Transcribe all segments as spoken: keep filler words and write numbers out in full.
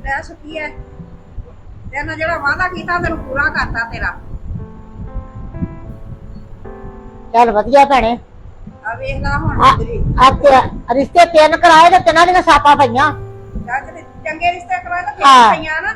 ਲੈ ਸੁੱਕੀ ਐ ਤੈਨੂੰ ਜਿਹੜਾ ਵਾਅਦਾ ਕੀਤਾ ਤੈਨੂੰ ਪੂਰਾ ਕਰਤਾ ਤੇਰਾ। ਚੱਲ ਵਧੀਆ ਭੈਣੇ। ਆ ਵੇਖ ਲਾ ਹੁਣ ਤੇਰੀ ਆ ਤੇਰਾ ਰਿਸ਼ਤੇ ਤਿੰਨ ਕਰਾਏ ਤੇ ਤਿੰਨਾਂ ਦੀਆਂ ਸਾਪਾਂ ਪਈਆਂ। ਜੱਜ ਦੇ ਚੰਗੇ ਰਿਸ਼ਤੇ ਕਰਾਏ ਤਾਂ ਹਾਂ। ਫੇਰ ਪਈਆਂ ਨਾ।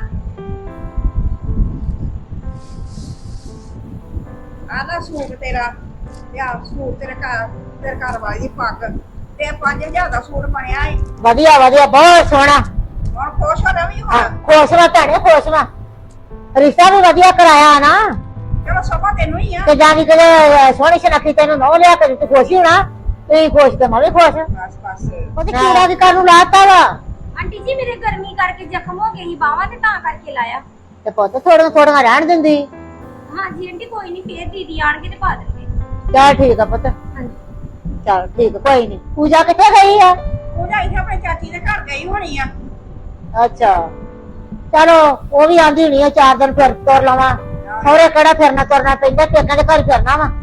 ਆਦਾ ਸੂਟ ਤੇਰਾ ਤੇ ਆ ਸੂਟ ਤੇਰੇ ਘਰ ਤੇਰੇ ਘਰ ਵਾਲੀ ਦੀ ਪੱਗ ਤੇ ਪੰਜ ਹਜ਼ਾਰ ਦਾ ਸੂਟ ਬਣਿਆ ਏ। ਵਧੀਆ ਵਧੀਆ ਬਹੁਤ ਸੋਹਣਾ। ਹੁਣ ਖੁਸ਼ ਹੋ ਰਵੀ ਹਾਂ ਹੁਣ। ਖੁਸ਼ ਵਾ ਭੈਣੇ ਖੁਸ਼ ਵਾ। ਰਿਸ਼ਤਾ ਵੀ ਵਧੀਆ ਕਰਾਇਆ ਨਾ ਚਲੋ ਸਭਾ ਤੈਨੂੰ ਹੀ ਆ। ਤੇ ਜਾਨੀ ਕਿ ਸੋਹਣੀ ਸੁਨੱਖੀ ਤੈਨੂੰ ਨਹੁੰ ਲਿਆ ਕੇ ਤੂੰ ਖੁਸ਼ ਹੀ ਹੋਣਾ। ਤੇ ਖੁਸ਼ ਤੇ ਮੈਂ ਵੀ ਖੁਸ਼। ਬਸ ਬਸ ਉਹਦੇ ਕੀੜਾ ਵੀ ਕਾਨੂੰ ਲਾਤਾ ਵਾ। ਆਂਟੀ ਜੀ ਮੇਰੇ ਗਰਮੀ ਕਰਕੇ ਜ਼ਖਮ ਹੋ ਗਏ ਸੀ ਬਾਹਾਂ ਤੇ ਤਾਂ ਕਰਕੇ ਲਾਇਆ। ਤੇ ਪੁੱਤ ਥੋੜਾ ਥੋੜਾ ਰਹਿਣ ਦਿੰਦੀ। ਹਾਂਜੀ ਆਂਟੀ ਕੋਈ ਨਹੀਂ ਫੇਰ ਦੀਦੀ ਆਣਗੇ ਤੇ ਪਾ ਦੇਣਗੇ। ਚੱਲ ਠੀਕ ਆ ਪੁੱਤ। ਹਾਂਜੀ ਚੱਲ ਠੀਕ ਕੋਈ ਨਹੀਂ। ਪੂਜਾ ਕਿੱਥੇ ਗਈ ਆ? ਉਹਦਾ ਇੱਥੇ ਆਪਣੇ ਚਾਚੀ ਦੇ ਘਰ ਗਈ ਹੋਣੀ ਆ। ਅੱਛਾ ਚਲੋ ਉਹ ਵੀ ਆਂਦੀ ਹੋਣੀ ਆ ਚਾਰ ਦਿਨ ਫਿਰ ਤੁਰ ਲਵਾਂ। ਸਹੁਰੇ ਕਿਹੜਾ ਫਿਰਨਾ ਤੁਰਨਾ ਪੈਂਦਾ ਪੇਕਾਂ ਦੇ ਘਰ ਫਿਰਨਾ ਵਾ।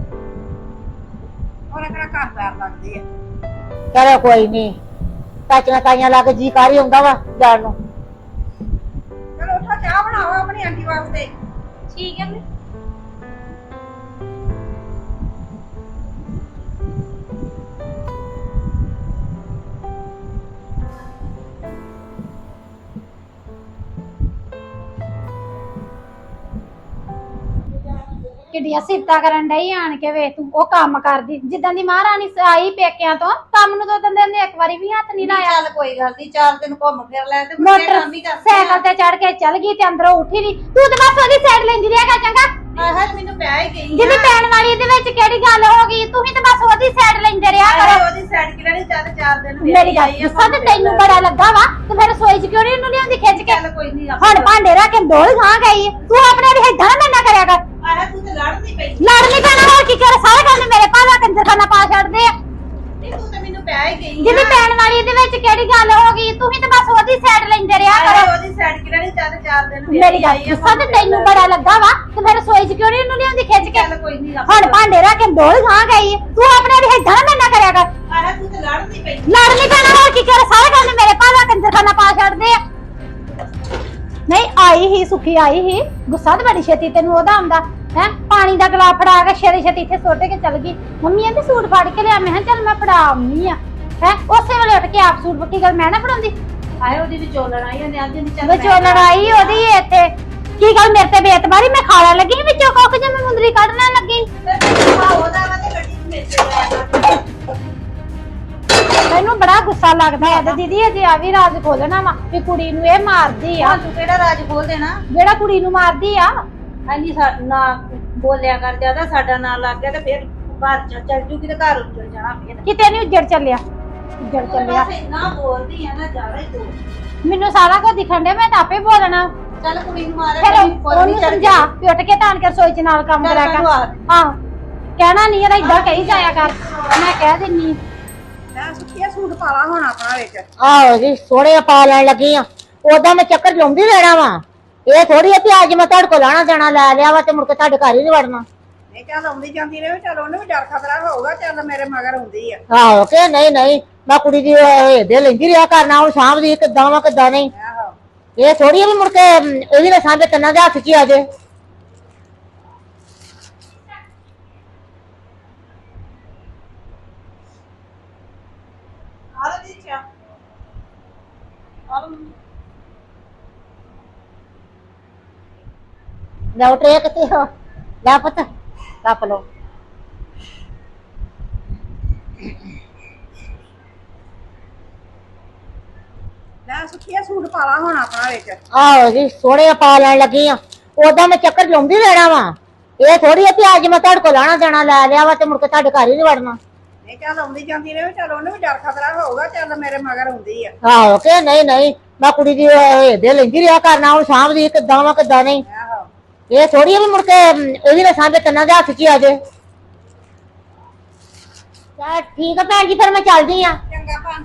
ਉਹਨੇ ਕਿਹੜਾ ਘਰ ਪੈਰ ਲੱਗਦੇ ਆ। ਚਲੋ ਕੋਈ ਨਹੀਂ ਚਾਚੀਆਂ ਤਾਈਆਂ ਲਾ ਕੇ ਜੀ ਕਰ ਹੀ ਆਉਂਦਾ ਵਾ ਜਾਣ ਨੂੰ। ਚਲੋ ਉੱਠੋ ਚਾਹ ਬਣਾਓ ਆਪਣੀ ਆਂਟੀ ਵਾਸਤੇ। ਠੀਕ ਹੈ। ਕਿੱਡੀਆਂ ਸਿਫਤਾਂ ਕਰਨ ਡਈ ਆਣ ਕੇ ਵੇ ਤੂੰ ਉਹ ਕੰਮ ਕਰਦੀ ਜਿੱਦਾਂ ਦੀ ਮਹਾਰਾਣੀ ਆਈ ਪੇਕਿਆਂ ਤੋਂ ਕੰਮ ਨੂੰ ਦੋ ਦਿਨ ਦੇ ਇੱਕ ਵਾਰੀ ਵੀ ਹੱਥ ਨਹੀਂ ਲਾਇਆ। ਚੱਲ ਕੋਈ ਗੱਲ ਨਹੀਂ ਚਾਰ ਦਿਨ ਘੁੰਮ ਫਿਰ ਲੈ ਤੇ ਮੋਟਰ ਸਾਈਕਲ ਤੇ ਚੜ ਕੇ ਚੱਲ ਗਈ ਤੇ ਅੰਦਰੋਂ ਉੱਠੀ ਨਹੀਂ ਤੂੰ ਤੇ ਬਸ ਉਹਦੀ ਸਾਈਡ ਲੈਂਦੀ ਰਹੇਗਾ ਚੰਗਾ। ਆਹ ਮੈਨੂੰ ਪਿਆ ਹੀ ਗਈ ਜਿਹਦੀ ਪੈਣ ਵਾਲੀ ਇਹਦੇ ਵਿੱਚ ਕਿਹੜੀ ਗੱਲ ਹੋ ਗਈ ਤੂੰ ਵੀ ਤੇ ਬਸ ਉਹਦੀ ਸਾਈਡ ਲੈਂਦੇ ਰਿਹਾ ਕਰੋ। ਉਹਦੀ ਸਾਈਡ ਕਿ ਲੈਣੀ ਚੱਲ ਚਾਰ ਦਿਨ ਮੇਰੀ ਗੱਲ ਗੁੱਸਾ ਤੇ ਤੈਨੂੰ ਬੜਾ ਲੱਗਾ ਵਾ ਤੇ ਫਿਰ ਰਸੋਈ ਚ ਕਿਉਂ ਨਹੀਂ ਉਹਨੂੰ ਲਿਆਉਂਦੀ ਖਿੱਚ ਕੇ। ਚੱਲ ਕੋਈ ਨਹੀਂ ਹੁਣ ਭਾਂਡੇ ਰੱਖ ਕੇ ਡੋਲ ਖਾ ਗਈ ਤੂੰ ਆਪਣੇ ਵੀ ਏਦਾਂ ਨਾ ਨਾ ਕਰਿਆ ਕਰ। ਆਹ ਤੂੰ ਤੇ ਲੜਦੀ ਪਈ ਲੜ ਨਹੀਂ ਪੈਣਾ ਹੋਰ ਕੀ ਕਰ ਸਾਰੇ ਕੰਮ ਮੇਰੇ ਭਾਵਾ ਕੰਜਰਖਾਨਾ ਪਾ ਛੱਡਦੇ ਆ। ਨਹੀਂ ਤੂੰ ਤੇ ਮੈਨੂੰ ਪਿਆ ਹੀ ਗਈ ਜਿਹਦੀ ਪੈਣ ਵਾਲੀ ਇਹਦੇ ਵਿੱਚ ਕਿਹੜੀ ਗੱਲ ਹੋ ਗਈ ਤੂੰ ਵੀ ਤੇ ਬਸ ਉਹਦੀ ਸਾਈਡ ਲੈਂਦੇ ਰਿਹਾ ਕਰੋ। ਉਹਦੀ ਸਾਈਡ ਕਿ ਲੈਣੀ ਚੱਲ ਚਾਰ ਦਿਨ ਮੇਰੀ ਗੱਲ ਗੁੱਸਾ ਤੇ ਤੈਨੂੰ ਬੜਾ ਲੱਗਾ ਵਾ ਤੇ ਫਿਰ ਰਸੋਈ ਚ ਕਿਉਂ ਨਹੀਂ ਉਹਨੂੰ ਲਿਆਉਂਦੀ ਖਿੱਚ ਕੇ। ਚੱਲ ਕੋਈ ਨਹੀਂ ਹੁਣ ਭਾਂਡੇ ਰੱਖ ਕੇ ਡੋਲ ਖਾ ਗਈ ਤੂੰ ਆਪਣੇ ਵੀ ਏਦਾਂ ਨਾ ਨਾ ਕਰਿਆ ਕਰ। ਆਹ ਤੂੰ ਤੇ ਲੜਦੀ ਪਈ ਲੜ ਨਹੀਂ ਪੈਣਾ ਹੋਰ ਕੀ ਕਰ ਸਾਰੇ ਕੰਮ ਮੇਰੇ ਭਾਵਾ ਕੰਜਰਖਾਨਾ ਪਾ ਛੱਡਦੇ ਆ। ਨਹੀਂ ਆਈ ਹੀ ਸੁਖੀ ਆਈ ਹੀ ਗੁੱਸਾ ਤੇ ਬੜੀ ਛੇਤੀ ਤੈਨੂੰ ਉਹਦਾ ਆਉਂਦਾ ਹੈ। ਪਾਣੀ ਦਾ ਗਲਾਸ ਫੜਾ ਕੇ ਛੇਤੀ ਛੇਤੀ ਇੱਥੇ ਸੁੱਟ ਕੇ ਚਲ ਗਈ। ਮੰਮੀ ਕਹਿੰਦੀ ਸੂਟ ਫੜ ਕੇ ਲਿਆ ਮੈਂ ਕਿਹਾ ਚੱਲ ਮੈਂ ਫੜਾ ਆਉਣੀ ਆ ਹੈ ਉਸੇ ਵੇਲੇ ਉੱਠ ਕੇ ਆਪ ਸੂਟ ਪੱਕੀ ਗੱਲ ਮੈਂ ਨਾ ਫੜਾਉਂਦੀ। ਆਏ ਉਹਦੀ ਵਿਚੋਲਣ ਆਈ ਉਹਨੇ ਅੱਜ ਨਹੀਂ ਚੱਲ ਵਿਚੋਲਣ ਆਈ ਉਹਦੀ ਇੱਥੇ ਕੀ ਗੱਲ ਮੇਰੇ ਤੇ ਬੇਤਬਾਰੀ ਮੈਂ ਖਾਲਾ ਲੱਗੀ ਵਿੱਚੋਂ ਕੁੱਕ ਜੇ ਮੈਂ ਮੁੰਦਰੀ ਕੱਢਣਾ ਲੱਗੀ। ਉਹਦਾ ਵਾ ਤੇ ਗੱਡੀ ਵਿੱਚ ਮੇਚੇ ਮੈਨੂੰ ਬੜਾ ਗੁੱਸਾ ਲੱਗਦਾ ਹੈ ਤੇ ਦੀਦੀ ਅਜੇ ਆ ਵੀ ਰਾਜ ਖੋਲਣਾ ਵਾ ਵੀ ਕੁੜੀ ਨੂੰ ਇਹ ਮਾਰਦੀ ਆ। ਤੂੰ ਕਿਹੜਾ ਰਾਜ ਖੋਲ ਦੇਣਾ ਜਿਹੜਾ ਕੁੜੀ ਨੂੰ ਮਾਰਦੀ ਆ। ਹਾਂਜੀ ਸਾਡਾ ਨਾ ਬੋਲਿਆ ਕਰ ਜਿਆਦਾ ਸਾਡਾ ਨਾਂ ਲੱਗ ਗਿਆ ਤੇ ਫਿਰ ਘਰ ਚ ਚੱਲ ਜੂਗੀ ਤੇ ਘਰ ਉੱਜੜ ਜਾਣਾ ਫਿਰ ਕਿਤੇ ਨਹੀਂ ਉੱਜੜ ਚੱਲਿਆ ਉੱਜੜ ਚੱਲਿਆ। ਬਸ ਇੰਨਾ ਬੋਲਦੀ ਆ ਨਾ ਜ਼ਿਆਦਾ ਹੀ ਤੂੰ ਮੈਨੂੰ ਸਾਰਾ ਕੁਝ ਦਿਖਣ ਡਿਆ ਮੈਂ ਤਾਂ ਆਪੇ ਬੋਲਣਾ। ਚੱਲ ਕੁੜੀ ਨੂੰ ਮਾਰੇ ਫਿਰ ਉਹਨੂੰ ਸਮਝਾ ਵੀ ਉੱਠ ਕੇ ਧਾਨ ਕੇ ਰਸੋਈ ਚ ਨਾਲ ਕੰਮ ਕਰਿਆ ਕਰ। ਆਹ ਕਹਿਣਾ ਨਹੀਂ ਇਹਦਾ ਇਦਾਂ ਕਹੀ ਜਾਇਆ ਕਰ ਮੈਂ ਕਹਿ ਦਿੰਨੀ। ਮੈਂ ਸੁੱਕੀਆ ਸੂਟ ਪਾਲਾ ਹੁਣ ਆਪਣਾ ਵਿੱਚ। ਆਹੋ ਜੀ ਸੋਹਣੇ ਪਾ ਲੈਣ ਲੱਗੀ ਆ ਉਦਾਂ ਮੈਂ ਚੱਕਰ ਲਾਉਂਦੀ ਰਹਿਣਾ ਵਾ। ਇਹ ਥੋੜੀ ਆ ਵੀ ਅੱਜ ਮੈਂ ਤੁਹਾਡੇ ਕੋਲ ਲਾਣਾ ਦੇਣਾ ਲੈ ਲਿਆ ਵਾ ਤੇ ਮੁੜ ਕੇ ਤੁਹਾਡੇ ਘਰ ਹੀ ਨਹੀਂ ਵੜਨਾ। ਨਹੀਂ ਚੱਲ ਆਉਂਦੀ ਜਾਂਦੀ ਰਹੇ ਚੱਲ ਉਹਨੂੰ ਵੀ ਡਰ ਖਤਰਾ ਹੋਊਗਾ ਚੱਲ ਮੇਰੇ ਮਗਰ ਆਉਂਦੀ ਆ। ਆਹੋ ਕਿ ਨਹੀਂ ਨਹੀਂ ਮੈਂ ਕੁੜੀ ਦੀ ਇਹਦੇ ਲੈਂਦੀ ਰਿਹਾ ਕਰਨਾ ਹੁਣ ਸਾਂਭਦੀ ਕਿੱਦਾਂ ਵਾ ਕਿੱਦਾਂ ਨਹੀਂ। ਆਹੋ ਇਹ ਥੋੜੀ ਵੀ ਮੁੜ ਕੇ ਇਹ ਵੀ ਨਾ ਸਾਂਭੇ ਤਿੰਨਾਂ ਦੇ ਹੱਥ ਚ ਹੀ ਆ ਜੇ। ਆਹ ਦੀ ਚਾ ਆਹ ਲੈ ਟਰੇ ਕਿਤੇ ਹੋ ਲੈ ਪੁੱਤ ਰੱਖ ਲੋ। ਲੈ ਸੁੱਕੀਆ ਸੂਟ ਪਾਲਾ ਹੁਣ ਆਪਣਾ ਵਿੱਚ। ਆਹੋ ਜੀ ਸੋਹਣੇ ਪਾ ਲੈਣ ਲੱਗੀ ਆ ਉਦਾਂ ਮੈਂ ਚੱਕਰ ਲਾਉਂਦੀ ਰਹਿਣਾ ਵਾ। ਇਹ ਥੋੜੀ ਆ ਵੀ ਅੱਜ ਮੈਂ ਤੁਹਾਡੇ ਕੋਲ ਲਾਣਾ ਦੇਣਾ ਲੈ ਲਿਆ ਵਾ ਤੇ ਮੁੜ ਕੇ ਤੁਹਾਡੇ ਘਰ ਹੀ ਨਹੀਂ ਵੜਨਾ। ਨਹੀਂ ਚੱਲ ਆਉਂਦੀ ਜਾਂਦੀ ਰਹੇ ਚੱਲ ਉਹਨੂੰ ਵੀ ਡਰ ਖਤਰਾ ਹੋਊਗਾ ਚੱਲ ਮੇਰੇ ਮਗਰ ਆਉਂਦੀ ਆ। ਆਹੋ ਕਿ ਨਹੀਂ ਨਹੀਂ ਮੈਂ ਕੁੜੀ ਦੀ ਇਹਦੇ ਲੈਂਦੀ ਰਿਹਾ ਕਰਨਾ ਹੁਣ ਸਾਂਭਦੀ ਕਿੱਦਾਂ ਵਾ ਕਿੱਦਾਂ ਨਹੀਂ। ਆਹੋ ਇਹ ਥੋੜੀ ਵੀ ਮੁੜ ਕੇ ਇਹ ਵੀ ਨਾ ਸਾਂਭੇ ਤਿੰਨਾਂ ਦੇ ਹੱਥ ਚ ਹੀ ਆ ਜੇ। ਚੱਲ ਠੀਕ ਆ ਭੈਣ ਜੀ ਫਿਰ ਮੈਂ ਚੱਲਦੀ ਆ। ਚੰਗਾ ਭੈਣ।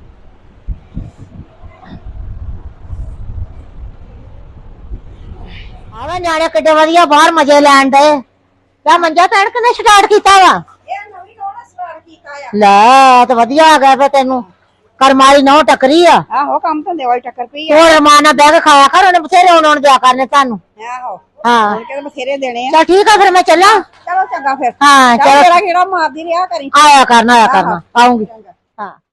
ਆਵਾ ਨਿਆਣੇ ਕਿੱਡੇ ਵਧੀਆ ਬਾਹਰ ਮਜ਼ੇ ਲੈਣ ਡਏ। ਤਾਂ ਮੰਜਾ ਭੈਣ ਕਿਨੇ ਸਟਾਰਟ ਕੀਤਾ ਵਾ? ਇਹ ਨਵੀਂ ਕੋਣ ਸਟਾਰਟ ਕੀਤਾ ਆ? ਲੈ ਤੇ ਵਧੀਆ ਆ ਗਿਆ ਫੇ ਤੈਨੂੰ ਕਰਮਾਲੀ ਨਹੁੰ ਟੱਕਰੀ ਆ ਆਹੋ ਕੰਮ ਧੰਦੇ ਵਾਲੀ ਟੱਕਰ ਪਈ ਆ ਹੋਰ ਮਾਂ ਨਾਲ ਬਹਿ ਕੇ ਖਾਇਆ ਕਰ ਉਹਨੇ ਬਥੇਰੇ ਆਉਣ ਆਉਣ ਦਿਆ ਕਰਨੇ ਤੁਹਾਨੂੰ ਆਹੋ ਹਾਂ ਹੁਣ ਕਿਹੜੇ ਬਥੇਰੇ ਦੇਣੇ ਆ ਚਲ ਠੀਕ ਆ ਫਿਰ ਮੈਂ ਚੱਲਾਂ ਚਲੋ ਚੰਗਾ ਫਿਰ ਹਾਂ ਚੱਲ ਚਲੋ ਤੇਰਾ ਕਿਹੜਾ ਮਾਰਦੀ ਰਿਹਾ ਕਰੀ ਆਇਆ ਕਰਨਾ ਆਇਆ ਕਰਨਾ ਆਉਂਗੀ ਚੰਗਾ ਹਾਂ